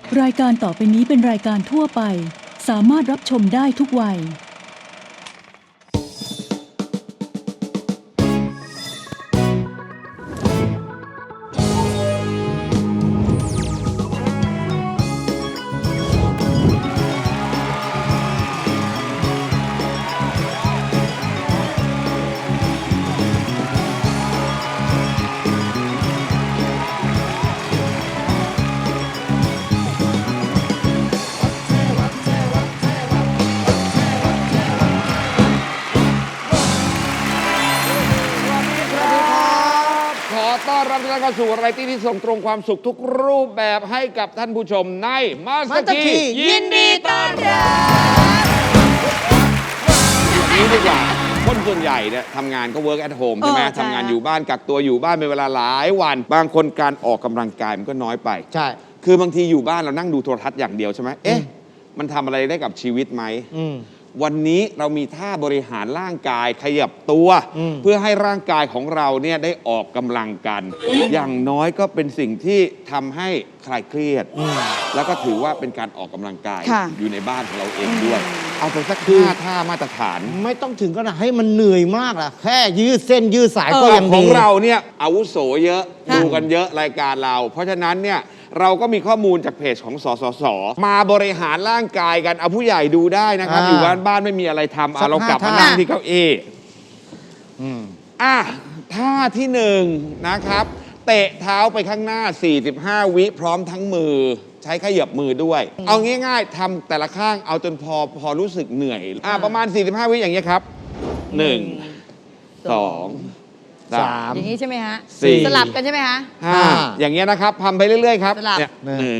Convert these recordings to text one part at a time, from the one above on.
รายการต่อไปนี้เป็นรายการทั่วไปสามารถรับชมได้ทุกวัยต้อนรับทุกท่านเข้าสู่รายการที่ส่งตรงความสุขทุกรูปแบบให้กับท่านผู้ชมในมาสเตอร์คียินดีต้อนรับนี้ดีกว่าคนส่วนใหญ่เนี่ยทำงานก็ work at home ใช่ไหมทำงานอยู่บ้านกักตัวอยู่บ้านเป็นเวลาหลายวันบางคนการออกกำลังกายมันก็น้อยไปใช่คือบางทีอยู่บ้านเรานั่งดูโทรทัศน์อย่างเดียวใช่ไหมเอ๊ะมันทำอะไรได้กับชีวิตไหมวันนี้เรามีท่าบริหารร่างกายขยับตัวเพื่อให้ร่างกายของเราเนี่ยได้ออกกำลังกันอย่างน้อยก็เป็นสิ่งที่ทำให้คลายเครียดแล้วก็ถือว่าเป็นการออกกำลังกายอยู่ในบ้านของเราเองด้วยเอาไปสักท่ามาตรฐานไม่ต้องถึงขนาดให้มันเหนื่อยมากล่ะแค่ยืดเส้นยืดสายก็ยังดีของเราเนี่ยอาวุโสเยอะดูกันเยอะรายการเราเพราะฉะนั้นเนี่ยเราก็มีข้อมูลจากเพจของสสสมาบริหารร่างกายกันเอาผู้ใหญ่ดูได้นะครับอยู่บ้านไม่มีอะไรทำเรากลับมานั่งที่เก้าอี้ท่าที่หนึ่งนะครับเตะเท้าไปข้างหน้า45วิพร้อมทั้งมือใช้ขยับมือด้วยเอาง่ายๆทำแต่ละข้างเอาจนพอรู้สึกเหนื่อยประมาณ45วิอย่างเงี้ยครับ1 2 3 อย่างนี้ใช่ไหมฮะ 4 สลับกันใช่ไหมฮะ 5อย่างเงี้ยนะครับทำไปเรื่อยๆครับเนี่ย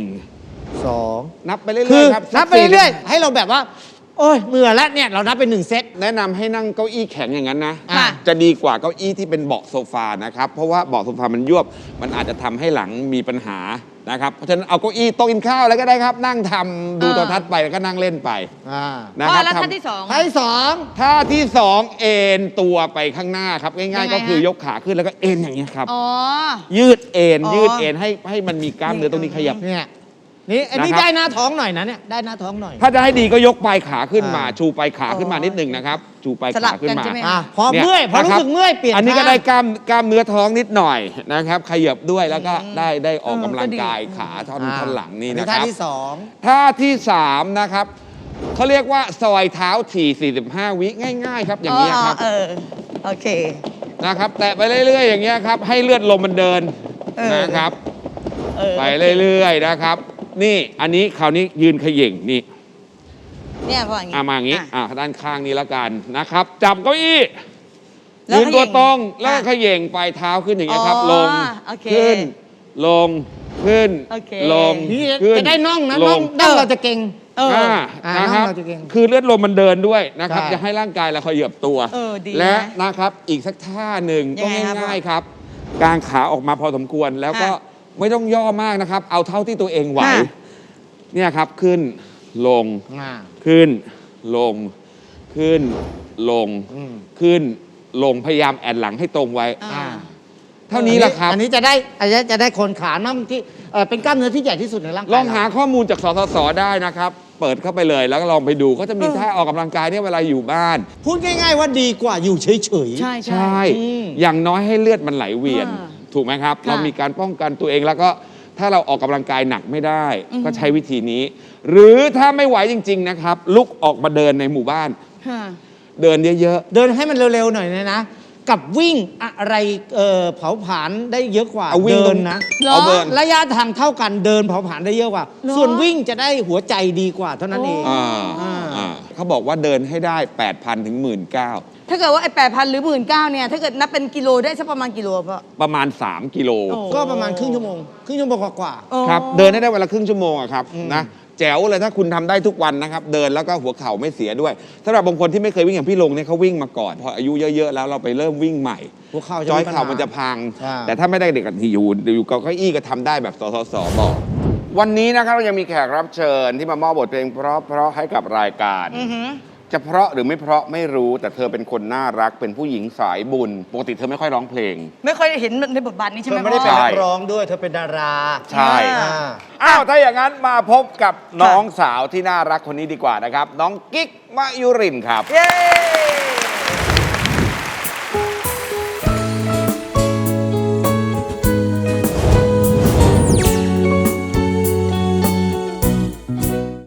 1 2 นับไปเรื่อยๆครับนับไปเรื่อยๆให้เราแบบว่าโอ้ยเหนื่อยแล้วเนี่ยเรานับเป็น1 เซตแนะนำให้นั่งเก้าอี้แข็งอย่างนั้นนะจะดีกว่าเก้าอี้ที่เป็นเบาะโซฟานะครับเพราะว่าเบาะโซฟามันยวบมันอาจจะทำให้หลังมีปัญหานะครับเพราะฉะนั้นเอาเก้าอี้โต๊ะกินข้าวอะไรก็ได้ครับนั่งทำดูโทรทัศน์ไปแล้วก็นั่งเล่นไปนะครับแล้วท่าที่สองท่าที่สองเอ็นตัวไปข้างหน้าครับง่ายๆก็คือยกขาขึ้นแล้วก็เอ็นอย่างนี้ครับยืดเอ็นให้มันมีกล้ามเนื้อตรงนี้ขยับเนี่ยนี่อันนี้ได้หน้าท้องหน่อยนะเนี่ยได้หน้าท้องหน่อยถ้าจะให้ดีก็ยกปลายขาขึ้นมาชูปลายขาขึ้นมานิดหนึ่งนะครับชูปลายขาขึ้นมาพอเมื่อยพอรู้สึกเมื่อยเปลี่ยนอันนี้ก็ได้กล้ามเนื้อท้องนิดหน่อยนะครับขยับด้วยแล้วก็ได้ออกกำลังกายขาท่อนหลังนี่นะครับท่าที่สามนะครับเขาเรียกว่าซอยเท้าถี่45วิง่ายๆครับอย่างนี้ครับโอเคนะครับแตะไปเรื่อยๆอย่างเงี้ยครับให้เลือดลมมันเดินนะครับไปเรื่อยๆนะครับนี่อันนี้คราวนี้ยืนเขย่งนี่เนี่ยพออย่างนี้มาอย่างนี้ด้านข้างนี้ละกันนะครับจับเก้าอี้ยืนตัวตรงแล้วเขย่งปลายเท้าขึ้นอย่างเงี้ยครับลงขึ้นลงขึ้นลงขึ้นจะได้น่องนะน่องเราจะเก่งนะครับคือเลือดลมมันเดินด้วยนะครับจะให้ร่างกายเราขยับตัวและนะครับอีกสักท่าหนึ่งก็ง่ายๆครับกางขาออกมาพอสมควรแล้วก็ไม่ต้องย่อมากนะครับเอาเท่าที่ตัวเองไหวเนี่ยครับขึ้นลงขึ้นลงขึ้นลงขึ้นลงพยายามแอนหลังให้ตรงไว้เท่านี้แหละครับอันนี้จะได้คนขาน่องที่เป็นกล้ามเนื้อที่ใหญ่ที่สุดในร่างกายลองหาข้อมูลจากสสสได้นะครับเปิดเข้าไปเลยแล้วก็ลองไปดูก็จะมีท่าออกกำลังกายเนี่ยเวลาอยู่บ้านพูดง่ายๆว่าดีกว่าอยู่เฉยๆใช่อย่างน้อยให้เลือดมันไหลเวียนถูกไหมครับเรามีการป้องกันตัวเองแล้วก็ถ้าเราออกกำลังกายหนักไม่ได้ก็ใช้วิธีนี้หรือถ้าไม่ไหวจริงๆนะครับลุกออกมาเดินในหมู่บ้านเดินเยอะๆเดินให้มันเร็วๆหน่อยนะกับวิ่งอะไรเผาผลาญได้เยอะกว่าเดินนะระยะทางเท่ากันเดินเผาผลาญได้เยอะกว่าส่วนวิ่งจะได้หัวใจดีกว่าเท่านั้นเองเขาบอกว่าเดินให้ได้ 8,000 ถึง 19,000 ถ้าเกิดว่าไอ้8,000 หรือ 19,000เนี่ยถ้าเกิดนับเป็นกิโลได้สักประมาณกิโลประมาณ3 กิโลก็ประมาณครึ่งชั่วโมงกว่าครับเดินได้วันละครึ่งชั่วโมงครับนะแจ๋วเลยถ้าคุณทำได้ทุกวันนะครับเดินแล้วก็หัวเข่าไม่เสียด้วยสำหรับบางคนที่ไม่เคยวิ่งอย่างพี่ลงเนี่ยเขาวิ่งมาก่อนพออายุเยอะๆแล้วเราไปเริ่มวิ่งใหม่หัวเข่าจอยเข่ามันจะพังแต่ถ้าไม่ได้เด็กที่อยู่เก้าอี้ก็ทำได้แบบสสบอกวันนี้นะครับเรายังมีแขกรับเชิญที่มามอบบทเพลงเพราะให้กับรายการจะเพราะหรือไม่เพราะไม่รู้แต่เธอเป็นคนน่ารักเป็นผู้หญิงสายบุญปกติเธอไม่ค่อยร้องเพลงไม่ค่อยเห็นในบทบาทนี้ใช่เธไหมอไม่ได้เป็นพ่อนักร้องด้วยเธอเป็นดาราใช่อ่าอ้าวถ้าอย่างนั้นมาพบกับน้องสาวที่น่ารักคนนี้ดีกว่านะครับ น้องกิ๊กมะยุรินทร์ครับเย้